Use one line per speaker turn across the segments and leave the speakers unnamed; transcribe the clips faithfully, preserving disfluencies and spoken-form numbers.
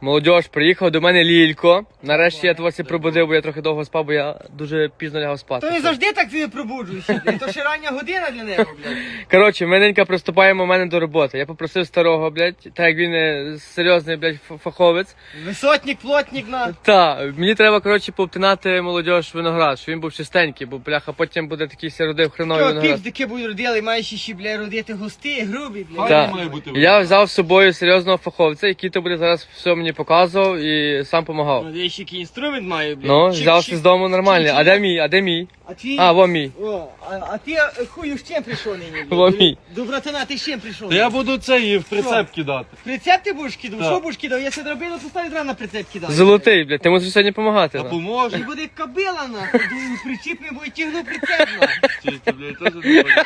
Молодіж, приїхав до мене Лілько. Нарешті я вас і пробудив, бо я трохи довго спав, бо я дуже пізно лягав спати.
То не завжди так ти пробуджуєшся, блядь. То ще рання година для нього, блядь.
Коротше, ми ненька приступаємо в мене до роботи. Я попросив старого, блядь, так як він е, серйозний, блядь, ф- фаховець.
Висотник, плотник на.
Та, мені треба, коротше, повтинати молодіж виноград, щоб він був чистенький, бо, бляха, потім буде такий ся родив хреновий
Що
виноград.
півдики будуть родили, маєш ще, блядь, родити густі, грубі, блядь.
Так. Я взяв з собою серйозного фаховця, який то буде зараз все мені показував і сам допомагав.
Ну, я ще який інструмент маю, блядь.
Ну,
Чик,
взявся
чик.
з дому нормальний. А де мій? А де мій?
А ти...
А, во мій.
О, а, а ти е, хую з чим прийшов нині, блядь?
Во мій.
До братана ти з чим прийшов?
Та я буду цей в прицеп кидати.
Прицеп ти будеш кидав?
Так.
Що будеш кидав? Я себе дробину поставив рано прицеп кидав.
Золотий, блядь, ти мусиш сьогодні допомагати.
А
нам.
поможе.
І буде кабила, нахуй. Причіп не буде тягнув прицеп, нахуй.
Чисто, блядь, теж не буде.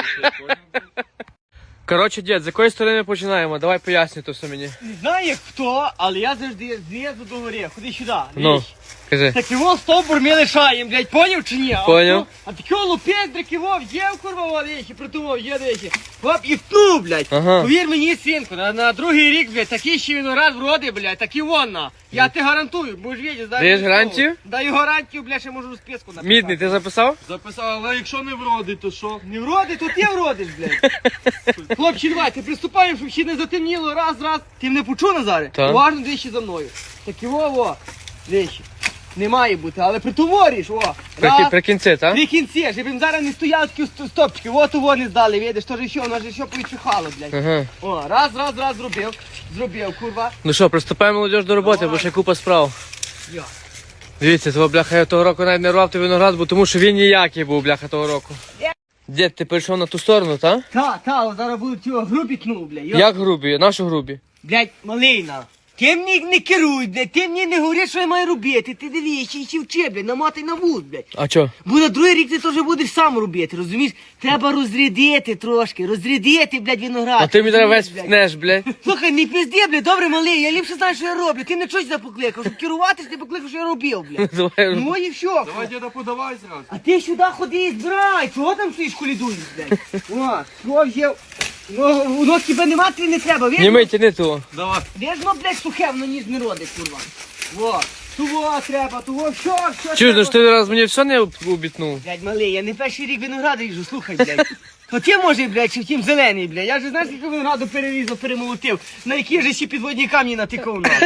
Коротше, дід, з якої сторони ми починаємо? Давай поясни то все мені.
Не знаю як хто, але я завжди знизу до гори. Ходи сюди.
Ну,
дивись.
кажи.
Так його стовбур ми лишаємо, блядь, поняв чи ні?
Поняв.
А такого лупець дракивов, є в курва валечі, притумав, є дечі. Хоп, і втнув, блядь.
Ага.
Повір мені, синку, на, на другий рік, блядь, такий ще виноград вроди, блядь, такий вон на. Я ти гарантую, будеш видіти.
Даєш гарантію?
Даю гарантію, блядь, ще можу списку написати.
Мідний, ти записав?
Записав, але якщо не вродить, то що?
Не вроди, то ти вродиш, блядь. Хлопці, давай, ти приступаємо, щоб ще не затемніло, раз, раз. Ти мене почув, Назаре?
Так.
Уважно двічі за мною. Такі во, во, двічі. Не має бути, але притовориш, о.
При,
Раз,
при кінці, так?
три кінці, щоб їм зараз не стояли такі ст- стопчики. От у вони здали, видиш, то ж що, воно ж що поїчихало, блядь.
Ага.
О, раз, раз, раз зробив. Зробив, курва.
Ну що, приступаємо молодіж до роботи,
Давай.
бо ще купа справ.
Йо.
Дивіться, того бляха я того року навіть не рвав той виноград, бо тому що він ніякий був, бляха, того року.
Є.
Дід, ти перейшов на ту сторону, так?
Та, та, зараз будуть його грубі кнув, блядь. Йо.
Як грубі? Нашу грубі?
Блядь, малина. Ти мені не керуй, блядь, ти мені не говориш, що я маю робити. Ти дивись, ще ще вчи, блядь, намотай на вуз, блядь.
А чо?
Бо на другий рік ти теж будеш сам робити, розумієш? Треба розрядити трошки, розрядити, блядь, виноград.
А ти мені зараз весь
Блядь.
втнеш, блядь.
Слухай, не пізди, блядь, добре, малий, я ліпше знаю, що я роблю. Ти мене щось покликав, щоб керуватись, ти покликав, що я робив, блядь.
Давай.
Ну і все.
Давай, діда, подавай зразу.
А ти сюди ходи і збирай, чого там стоїш колідуєш, блядь? О, що взяв? Ну, воно тебе нема, тобі не треба, видиш?
Німи, тяни того.
Давай.
Де ж воно, блядь, сухе, воно ніж не родить, курва. Во, того треба, того, що, що
Чуєш, ну
треба?
ж ти раз мені все не обітнув.
Блядь, малий, я не перший рік винограду їжу, слухай, блядь. То ти, може, блядь, чи втім зелений, блядь. Я ж знаєш, скільки винограду перерізав, перемолотив. На які ж ще підводні камні натикав, на.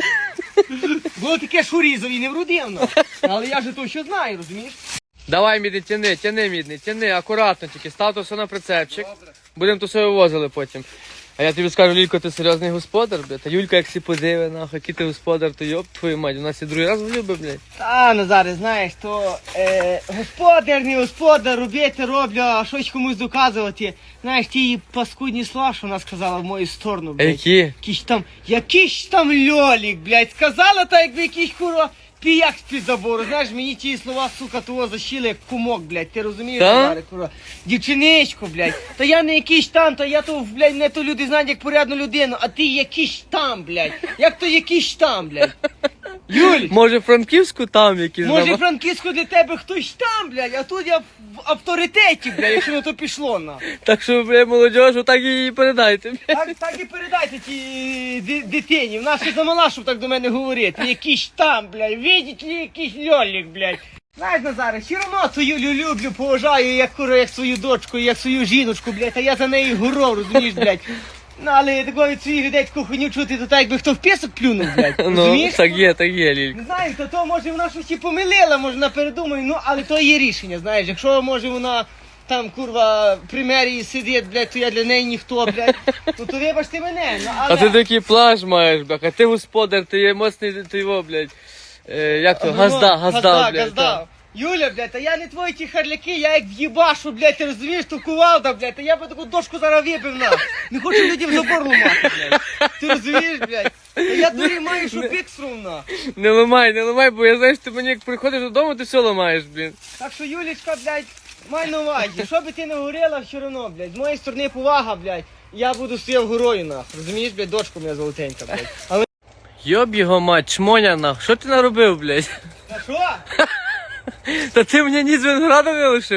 Було таке, що різав і не вродив, на. Але я ж то що знаю, розумієш?
Давай, мідний, тяни, тяни, мідний, тяни, акуратно тільки, став то все на прицепчик. Будемо то все вивозили потім. А я тобі скажу, Лілько, ти серйозний господар, блядь. Та Юлька, як сі подиви, нахуй, який ти господар, то йоп, твою мать, у нас і другий раз влюбив, блядь.
Та, Назаре, знаєш, то е, господар, не господар, робити роблю, а щось комусь доказувати. Знаєш, ті паскудні слова, що вона сказала в мою сторону,
А
блядь.
які?
Якийсь там, якийсь там льолік, блядь, сказала так, якби якийсь куро піяк з-під забору. Знаєш, мені ті слова, сука, того защили як кумок, блядь, ти розумієш,
Та?
Назаре, куро? Дівчиничко, блядь, та я не якийсь там, та я то, блядь, не то люди знають як порядну людину, а ти якийсь там, блядь, як то якийсь там, блядь. Юль,
Може, Франківську там якісь
може
дома?
Франківську для тебе хтось там, блядь, а тут я в авторитеті, блядь, якщо на то пішло, на.
Так що, блядь, молодіж, отак і передайте, блядь.
Так, так і передайте тій ди- дитині. Вона ще замала, щоб так до мене говорити. Якийсь там, блядь, видіть ли, якийсь льолік, блядь. Знаєш, Назаре, все одно цю Юлю люблю, поважаю, як куро, як свою дочку, як свою жіночку, блядь, а я за нею горов, розумієш, блядь. Ну, але такого від своїх людей таку хуйню чути, то так, якби хто в пісок плюнув, блядь,
Ну,
розумієш?
так є, так є, Лілько.
Не знаю, то, то може вона щось і помилила, може вона передумає, ну, але то є рішення, знаєш, якщо може вона там, курва, при мерії сидить, блядь, то я для неї ніхто, блядь, ну то вибачте мене, ну, але...
А ти такий плащ маєш, блядь, а ти господар, ти є моцний, ти його, блядь. Е, як то,
Ну,
газда, газда, блядь.
газда.
так.
Юля, блядь, а я не твої ті харляки, я як в'їбашу, блядь, ти розумієш, то кувалда, блядь, а я би таку дошку зараз вибив на. Не хочу людям забор ламати, блядь. Ти розумієш, блядь? Та я дурі маю, що пік срумна.
Не ламай, не ламай, бо я знаю, що ти мені як приходиш додому, ти все ламаєш, блін.
Так що, Юлічка, блядь, май на увазі, що би ти не говорила, все одно, блядь, з моєї сторони повага, блядь, я буду стояв горою, нахуй, розумієш, блядь, дочка моя золотенька, блядь. Але...
Йоб його мать, чмоня нах, що ти наробив, блядь?
Та що?
Та ти мені ні з винограда не лишив.
Та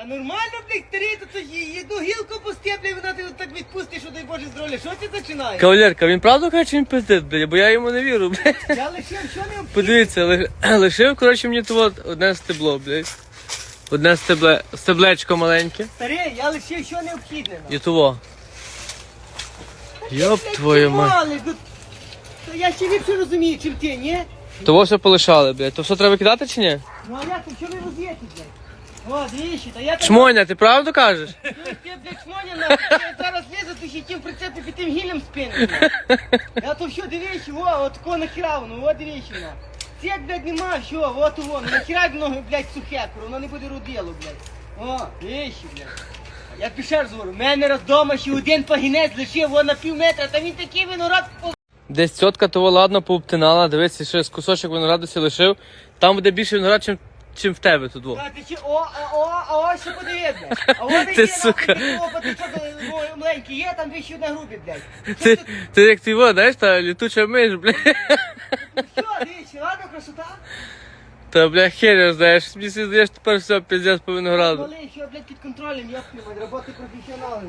А нормально, блядь, старий, то є одну гілку постеплю, вона ти так відпустиш, що дай Боже здоров'я. Що ти починаєш?
Кавалерка, він правду каже, чи він пиздить, блядь, бо я йому не вірю, блядь.
Я лишив, що не
Подивіться, ли- лишив, коротше, мені тут одне стебло, блядь. Одне стебле, стеблечко маленьке.
Старий, я лишив, що необхідне.
І того. Йоп твою мать.
мать. То я ще більше розумію, чим ти, ні?
Того все полишали, блядь. То все треба кидати чи ні?
Ну а як, що ви роз'єте, блядь? О, двічі, та я так...
Чмоня, ти правду кажеш?
Ти, блядь, шмоня, нахуй, я зараз лізу, то ще тим прицепи під тим гілем спину, блядь. Я то що, дивіться, о, от такого нахера воно, о, дивіться, на. Цек, блядь, нема, що, от воно, нахера воно, блядь, сухе, куро, воно не буде родило, блядь. О, дивіться, блядь. Я пішов раз говорю, в мене раз дома ще один пагінець лишив, во на пів метра, та він такий виноград по...
Десь тітка того ладно пообтинала, дивися, ще з кусочок винограду сі лишив. Там буде більше виноград, чим, чим в тебе тут. Во.
Та ти ще, о, а, о, а ось що подивись, блядь. А от
Ти,
є,
сука.
нахуй, о, патичок, о, маленький є, там дві ще одна грубі, блядь.
Ти, ти як ти во, знаєш, та літуча миш, бля.
Що, дивіться, ладно, красота?
Та, бля, хер, знаєш, мені здаєш, тепер все, пиздец по винограду.
Малий, що, блядь, під контролем, ёпни, мать, роботи професіонали,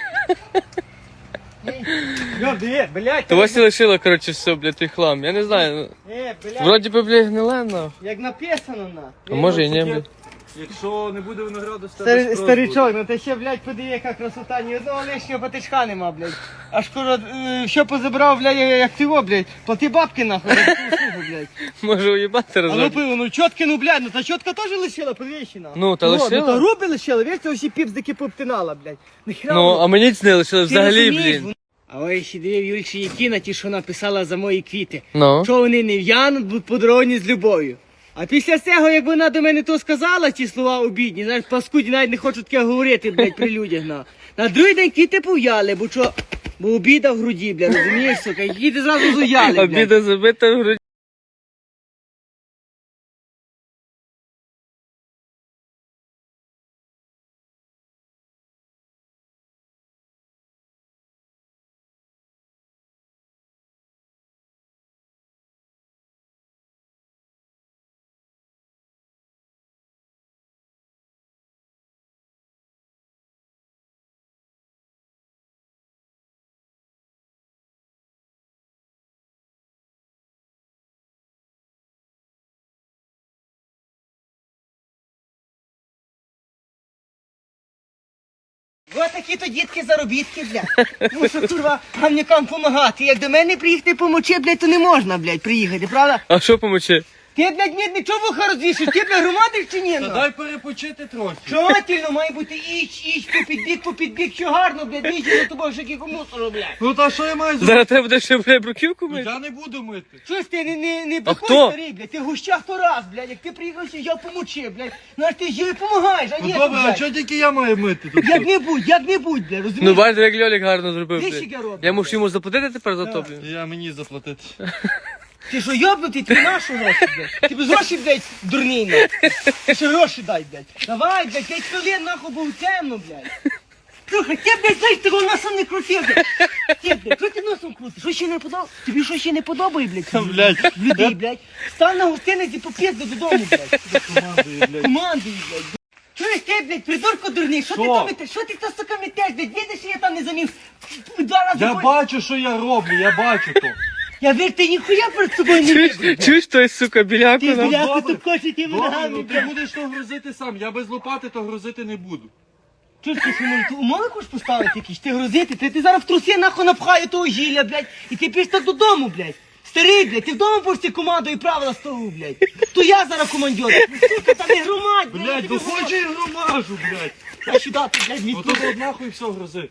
Йо, диви, блядь.
Того сі лишила, коротше, все, бля, той хлам. Я не знаю, ну,
Е, блядь,
вроді би, бля, гниле, нахуй.
як написано, на.
А може і не, бля.
Якщо не буде винограду, з тебе
Старий,
спрос
старичок,
буде.
ну ти ще, блядь, подиви, яка красота, ні одного лишнього патичка нема, блядь. Аж скоро, е, що позабрав, блядь, як ти во, блядь, плати бабки, нахуй, за таку услугу, блядь.
Може уїбати
А ну
разок.
пиво, ну чотки, ну, блядь, ну та чотка теж лишила, подвищена.
Ну, та
Ну,
лишила.
та руби лишила, весь це усі піпздики пообтинала, блядь. Нахера
Ну,
воно?
а мені це не лишили
Ти
взагалі,
розумієш,
блін.
воно- А ось ще дивив Юльчі Якіна, ті, що написала за мої квіти.
Ну.
Що вони не в'януть, будуть подаровані з любов'ю. А після цього, як вона до мене то сказала, ті слова обідні, знаєш, паскуді навіть не хочуть таке говорити, блядь, при людях, на. На другий день квіти пов'яли, бо що, бо обіда в груді, блядь, розумієш, сука, і квіти зразу зуяли, блядь.
Обіда забита в груді.
Ось такі то дітки заробітки, блядь. Мушу, курва, гамнякам помагати. Як до мене приїхати помочи, блядь, то не можна, блядь, приїхати, правда?
А що помочи?
Ти, блядь, ні, нічого вуха розвішиш, ти, блядь, громадиш чи ні?
Та
ну?
дай перепочити трохи.
Желательно має бути іч, іч, по підбік, по підбік, що гарно, блядь, вічі за тобою ще кілька мусору, блядь.
Ну та що я маю зробити?
Зараз треба буде ще, бля, бруківку
Ну,
мити?
я не буду мити.
Щось ти не, не, не
А
бухой,
хто?
старий, блядь, ти в гущах то раз, блядь, як ти приїхав, що я помочи, блядь. Ну аж ти ж їй помагаєш, а
Ну
ні,
добре, а
блядь.
чого тільки я маю мити тут?
Як не будь, як не будь, блядь,
Ну,
розумієш?
бачите, як Льолік гарно зробив,
Ти
блядь.
ще робиш,
Я мушу йому заплатити тепер за то, блін.
Я мені заплатити.
Ти що, йобнутий, ти нашу гроші, блядь? Ти без гроші, блядь, дурний, нахуй. Ти ще гроші дай, блядь. Давай, блядь, п'ять хвилин, нахуй, бо темно, блядь. Слухай, ти, блядь, знаєш, ти його носом не крутив, блядь. Ти, блядь, що ти носом крутиш? Що ще не подобає? Тобі що ще не подобає, блядь?
Блядь.
В людей, блядь. Стань на гостиниці, поп'єзди додому, блядь.
Командую, блядь.
Командуй, блядь. Чуєш ти, блядь, придурко дурний, що ти
Що?
там метеш? Що ти то, сука, метеш, блядь? Видиш, що я там не замів? Два рази
Я
ходь.
бачу, що я роблю, я бачу то.
Я вір, ти ніхуя перед собою не
Чуєш,
видиш.
чуєш той, сука, біляку
Ти,
нам?
бляха,
добре.
тут коші ти
Добре,
ногами,
ну ти
блядь.
будеш то грузити сам. Я без лопати то грузити не буду.
Чуєш, ти що, може, ти умови хочеш поставити якісь? Ти грузити? Ти, ти зараз в труси нахуй напхаю того гілля, блядь, і ти пішов так додому, блядь. Старий, блядь, ти вдома будеш ці команду і правила столу, блядь. То я зараз командир. Сука, та не громадь, блядь.
Блядь,
я
ну
тобі
хочу і громажу, блядь.
говорю. А сюди ти, блядь, мій
Ото от нахуй все грузи.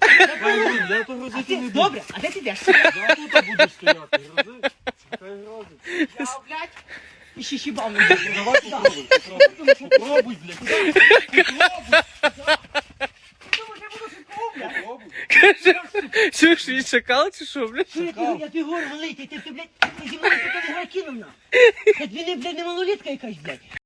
Я, я то грузити
Ти,
не буду.
добре, а де ти йдеш?
Я тут буду стояти, грузи. Хай грузить.
Я, блядь, і ще щібав не буду.
Давай попробуй, попробуй. Попробуй, блядь.
Думаєш, я буду швидкого, блядь?
Попробуй.
Чуєш, він шакал чи що, блядь?
Що я тобі- я тобі говорю, малий, ти, ти, ти, блядь, ти зі мною таке не грай кинув на. Я тобі не, блядь, не малолітка якась, блядь.